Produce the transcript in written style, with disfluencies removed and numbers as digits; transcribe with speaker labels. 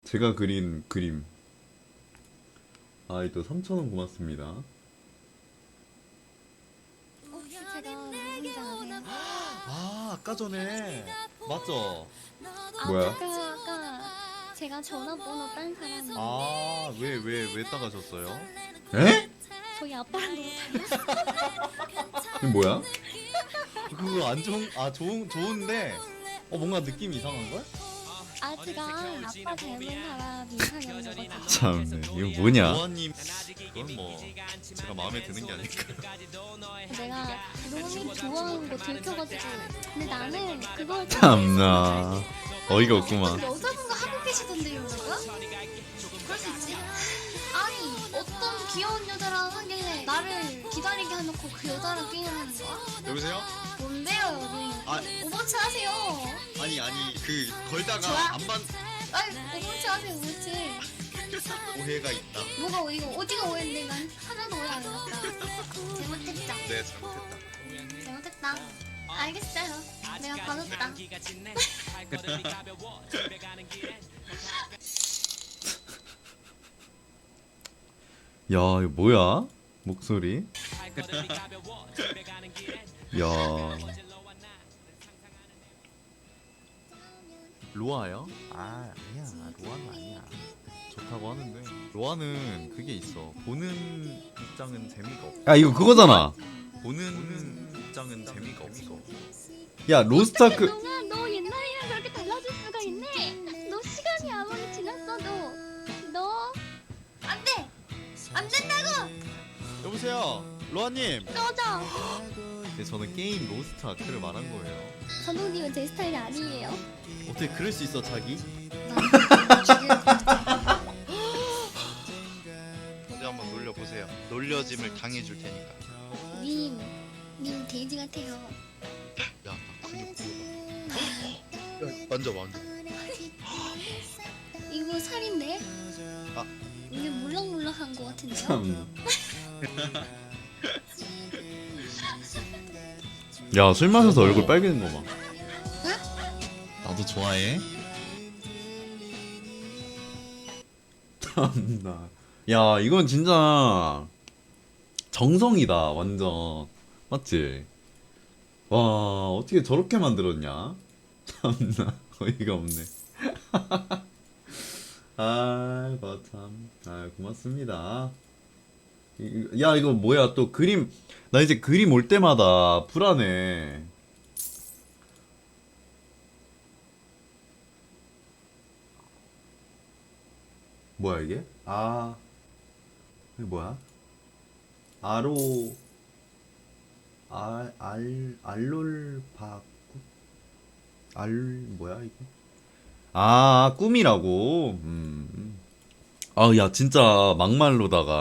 Speaker 1: 제가 그린 그림. 또 3,000원 고맙습니다.
Speaker 2: 혹시 제가 누군지 아세요?
Speaker 3: 아, 아까 전에 맞죠?
Speaker 1: 뭐야?
Speaker 2: 아까 제가 전화번호 딴 사람이
Speaker 3: 아, 왜 따가셨어요?
Speaker 1: 에?
Speaker 2: 저희 아빠랑 너무 닮았어요.
Speaker 1: 이게 뭐야?
Speaker 3: 그거 안 좋은, 좋은데, 뭔가 느낌이 이상한 걸?
Speaker 2: 제가 아빠 닮은 사람이 이상형이거든요.
Speaker 1: 참네. 이거 뭐냐?
Speaker 3: 노아님, 그건 뭐 제가 마음에 드는 게 아닐까요?
Speaker 2: 내가 로우님 좋아하는 거 들켜가지고 근데 나는 그걸
Speaker 1: 참나. 어이가 없구만.
Speaker 2: 여자분과 하고 계시던데요, 제가? 그럴 수 있지? 아니 어떤 귀여운 여자랑 하길래 나를 기다리게 해놓고 그 여자랑 게임하는 거야?
Speaker 3: 여보세요?
Speaker 2: 뭔데요, 여기?
Speaker 3: 아.
Speaker 2: 오버치 하세요.
Speaker 3: 아니, 그, 걸다가
Speaker 2: 좋아.
Speaker 3: 안 반,
Speaker 2: 아니 오버치 하세요, 오버치.
Speaker 3: 오해가 있다.
Speaker 2: 뭐가 어디가 오해인데 난 하나도 오해 안 했다. 잘못했다.
Speaker 3: 네, 잘못했다.
Speaker 2: 잘못했다. 알겠어요. 내가 봐줬다.
Speaker 1: 야, 이거 뭐야? 목소리? 야.
Speaker 3: 로아요? 아니야. 로아는 아니야. 좋다고 하는데. 로아는 그게 있어. 보는 입장은 재미가 없어.
Speaker 1: 이거 그거잖아.
Speaker 3: 보는 입장은 재미가 없어.
Speaker 1: 야, 로스타크.
Speaker 2: 동안 너 옛날이랑 그렇게 달라질 수가 있네. 너 시간이 아무리 지났어도 너 안돼. 안 된다고.
Speaker 3: 여보세요, 로아님.
Speaker 2: 꺼져.
Speaker 3: 네, 저는 게임 로스트 아크를 말한 거예요.
Speaker 2: 감독님은 제 스타일이 아니에요.
Speaker 3: 어떻게 그럴 수 있어, 자기?
Speaker 4: 어디 한번 놀려보세요. 놀려짐을 당해줄 테니까.
Speaker 2: 님 돼지 같아요.
Speaker 4: 야, 나 근육 보여봐. 야, 만져봐.
Speaker 2: 이거 살인데?
Speaker 4: 아.
Speaker 2: 이게 물렁물렁한 거 같은데요?
Speaker 1: 참. 야, 술 마셔서 얼굴 빨개진 거 봐.
Speaker 3: 나도 좋아해.
Speaker 1: 참나. 야, 이건 진짜 정성이다, 완전. 맞지? 와, 어떻게 저렇게 만들었냐? 참나, 어이가 없네. 참. 고맙습니다. 야, 이거 뭐야, 또 그림. 나 이제 그림 올 때마다 불안해. 뭐야, 이게? 이게 뭐야? 알롤바꾸? 뭐야, 이게? 꿈이라고? 야, 진짜 막말로다가